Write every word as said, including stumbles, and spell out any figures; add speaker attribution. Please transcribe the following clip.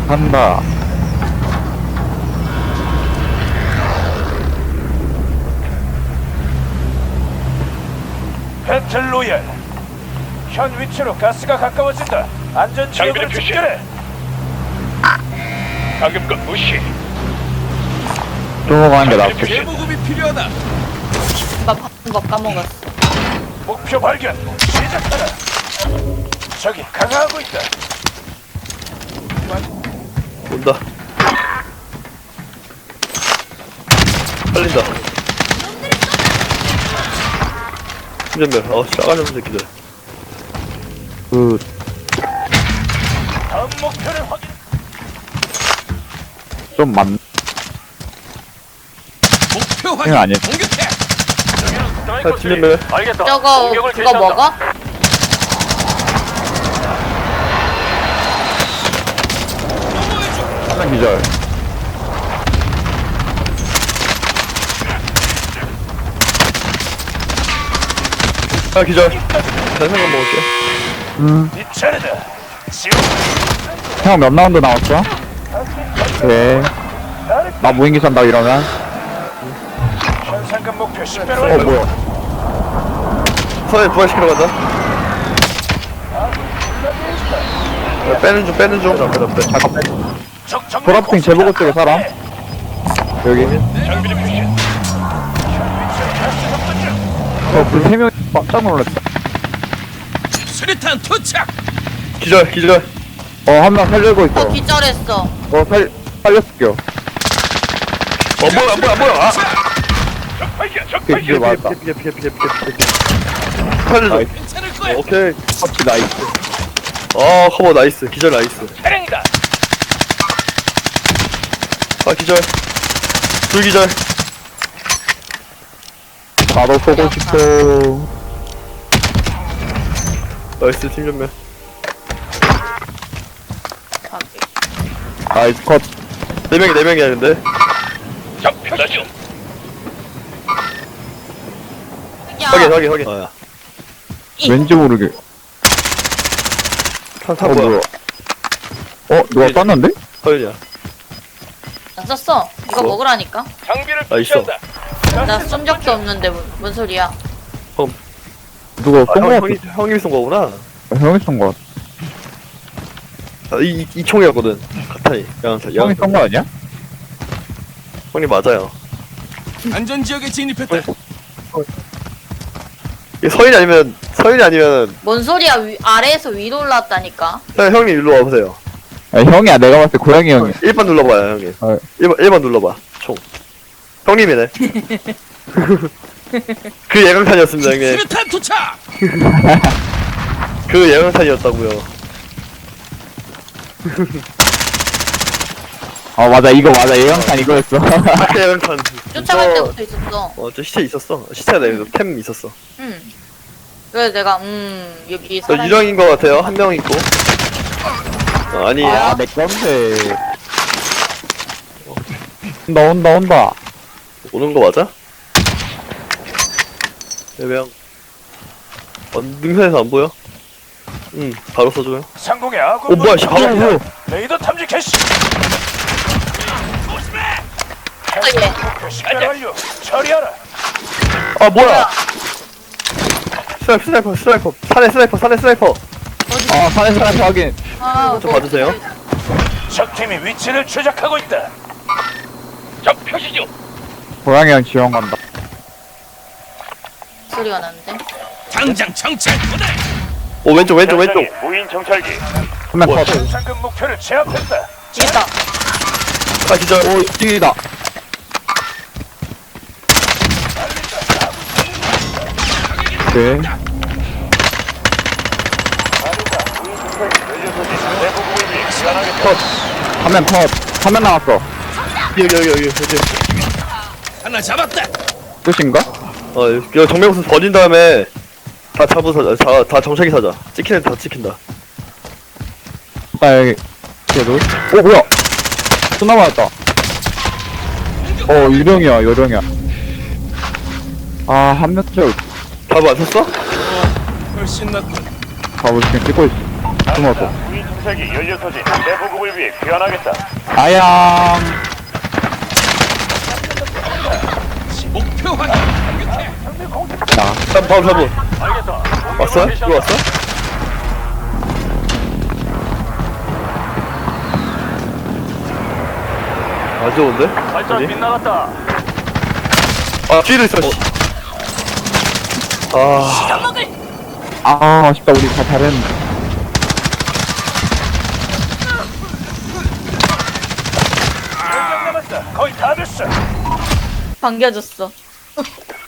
Speaker 1: 한다.
Speaker 2: 배틀로얄. 현 위치로 가스가 가까워진다. 안전 지역으로
Speaker 3: 장비를
Speaker 2: 집결해.
Speaker 3: 방금 건 무시.
Speaker 1: 넘어가는 게 낫겠지.
Speaker 3: 제보급이 필요하다.
Speaker 4: 나 바쁜 거 까먹었어.
Speaker 2: 목표 발견. 시작하라. 적이 강화하고 있다.
Speaker 5: 온다. 살린다. 신전멸. 어, 싸가지 없는 새끼들.
Speaker 1: 그,
Speaker 2: 다음 목표를 확인.
Speaker 1: 좀 많,
Speaker 3: 목표
Speaker 1: 이거
Speaker 3: 확인.
Speaker 1: 아니야.
Speaker 3: 공격해.
Speaker 5: 자, 신전멸.
Speaker 2: 알겠다.
Speaker 4: 저거
Speaker 2: 공격을
Speaker 4: 그거
Speaker 2: 개시한다.
Speaker 4: 먹어?
Speaker 1: 하나 기절.
Speaker 5: 아, 기절. 잘생각 먹을게.
Speaker 1: 음,
Speaker 2: 네 차례다. 지원.
Speaker 1: 형 몇 라운드 나왔어? 네. 나 무인기 산다 이러면?
Speaker 2: 현상금 목표 십 배로
Speaker 1: 어,
Speaker 2: 완료.
Speaker 1: 뭐야.
Speaker 5: 서해 부활시키러 간다. 야, 빼는 중, 빼는 중. 빼다, 빼.
Speaker 1: 잠깐 빼.
Speaker 2: 적 정면
Speaker 1: 보라핑 제보고 쪽에 사람? 여기.
Speaker 2: 장비를 표시해.
Speaker 1: 어, 그 세 명이 깜짝 놀랐다.
Speaker 3: 수류탄 투착.
Speaker 5: 기절, 기절.
Speaker 1: 어, 한 명 살리고 있어.
Speaker 4: 어 기절했어.
Speaker 1: 어, 살, 살렸을게요.
Speaker 5: 어, 뭐야, 뭐야, 뭐야. 아!
Speaker 3: 적 발견. 적
Speaker 1: 그,
Speaker 3: 발견.
Speaker 1: 그, 맞다.
Speaker 5: 피해, 피해, 피해, 피해, 피해, 피해. 살려줘.
Speaker 1: 나이스.
Speaker 3: 괜찮을 거야.
Speaker 5: 오케이.
Speaker 1: 터치 나이스.
Speaker 5: 어, 커버 나이스. 기절 나이스.
Speaker 3: 차량이다.
Speaker 5: 아, 기절. 둘 기절.
Speaker 1: 나도 쏘고 싶어.
Speaker 5: 나이스, 팀전멸.
Speaker 1: 나이스 컷.
Speaker 5: 네 명이 네 명이야, 근데.
Speaker 3: 적 표시 중.
Speaker 4: 야.
Speaker 5: 확인, 확인, 확인. 어, 야.
Speaker 1: 왠지 모르게.
Speaker 5: 탄,
Speaker 1: 어,
Speaker 5: 탄 뭐야?
Speaker 1: 뭐야. 어, 누가 쐈는데?
Speaker 5: 서윤이야.
Speaker 4: 안 썼어. 이거
Speaker 5: 뭐?
Speaker 4: 먹으라니까.
Speaker 3: 장비를
Speaker 5: 아, 있어.
Speaker 3: 표시한다.
Speaker 4: 나 쏜 적도 없는데 뭔, 뭔 소리야?
Speaker 1: 누가
Speaker 5: 아,
Speaker 1: 쏜거
Speaker 5: 형,
Speaker 1: 같아.
Speaker 5: 형이, 형님이 쏜 거구나.
Speaker 1: 형이 쏜거 같아.
Speaker 5: 아, 이, 이, 이 총이었거든. 카타이. 양탄,
Speaker 1: 형이 쏜거 아니야?
Speaker 5: 형님 맞아요.
Speaker 3: 안전 지역에 진입했다.
Speaker 5: 이게 서윤이 아니면, 서윤이 아니면,
Speaker 4: 뭔 소리야? 위, 아래에서 위로 올라왔다니까.
Speaker 5: 형, 형님 일로 와보세요.
Speaker 1: 아니, 형이야. 내가 봤을 때 고양이 형이.
Speaker 5: 일 번 눌러봐요, 형님.
Speaker 1: 어.
Speaker 5: 일 번, 일 번 눌러봐. 총. 형님이네. 그 예강탄이었습니다, 형님.
Speaker 3: 수류탄 투착.
Speaker 5: 그 예강탄이었다고요.
Speaker 1: 어, 맞아. 이거 맞아. 예영탄 이거였어.
Speaker 5: 그 예강탄.
Speaker 4: 쫓아갈
Speaker 5: 저-
Speaker 4: 때부터 있었어.
Speaker 5: 어, 저 시체 있었어. 시체가 내가 템 있었어.
Speaker 4: 응. 그래서 내가 음 여기
Speaker 5: 저
Speaker 4: 사람.
Speaker 5: 유령인 것 같아요. 한 명 있고. 어, 아니,
Speaker 1: 아, 내 건데. 온다, 온다, 온다.
Speaker 5: 오는 거 맞아? 예배형. 어, 능선에서 안 보여? 응, 바로 써줘요.
Speaker 2: 상공의 아군
Speaker 5: 어, 뭐야, 씨, 바로
Speaker 2: 무인
Speaker 5: 보여.
Speaker 2: 레이더 탐지 캐시.
Speaker 4: 아, 예.
Speaker 2: 목표 십 배로 완료. 처리하라.
Speaker 5: 아, 뭐야! 스나이퍼, 스나이퍼, 스나이퍼. 산에 스나이퍼, 산에 스나이퍼.
Speaker 1: 아, 산에 사람 확인.
Speaker 4: 아,
Speaker 5: 좀 봐주세요.
Speaker 2: 적팀이 위치를 추적하고 있다.
Speaker 3: 적 표시 중.
Speaker 1: 고양이 형 지원 간다.
Speaker 4: 소리가 나는데.
Speaker 3: 당장 정찰 보내.
Speaker 5: 오, 왼쪽, 왼쪽, 왼쪽.
Speaker 2: 현장에 무인 정찰기.
Speaker 1: 한명 컷.
Speaker 2: 현상금 목표를 제압했다.
Speaker 4: 있다.
Speaker 5: 아, 기절.
Speaker 1: 오, 뛰다. 오케이. 컷. 한명 컷. 한 명 나왔어.
Speaker 5: 여기, 여기, 여기, 여기.
Speaker 3: 하나 잡았다.
Speaker 1: 끝인가?
Speaker 5: 어, 여기 정명수 버린 다음에 다 잡으서, 다, 다 정찰기 사자. 찍히는 다 찍힌다.
Speaker 1: 나 여기. 그래도. 오, 뭐야? 또 남았다. 어, 유령이야, 유령이야. 아, 한 명 쪽.
Speaker 5: 답 안 쳤어?
Speaker 3: 훨씬 낫군.
Speaker 1: 가보 지금 찍고 있어. 숨어서.
Speaker 2: 무인 탐색이 연료 소진 대보급을 위해 귀환하겠다.
Speaker 1: 아양.
Speaker 3: 목표 확인. 공격해.
Speaker 1: 자,
Speaker 5: 다음 다음 사분
Speaker 2: 알겠다.
Speaker 5: 왔어? 이거 왔어? 안 좋은데?
Speaker 2: 발전
Speaker 5: 어디?
Speaker 2: 빗나갔다.
Speaker 5: 아 뒤에도 있어. 아
Speaker 1: 아, 아쉽다. 우리 다 잘했는데.
Speaker 2: 몇 명 남았다. 거의 다 됐어.
Speaker 4: 반겨줬어.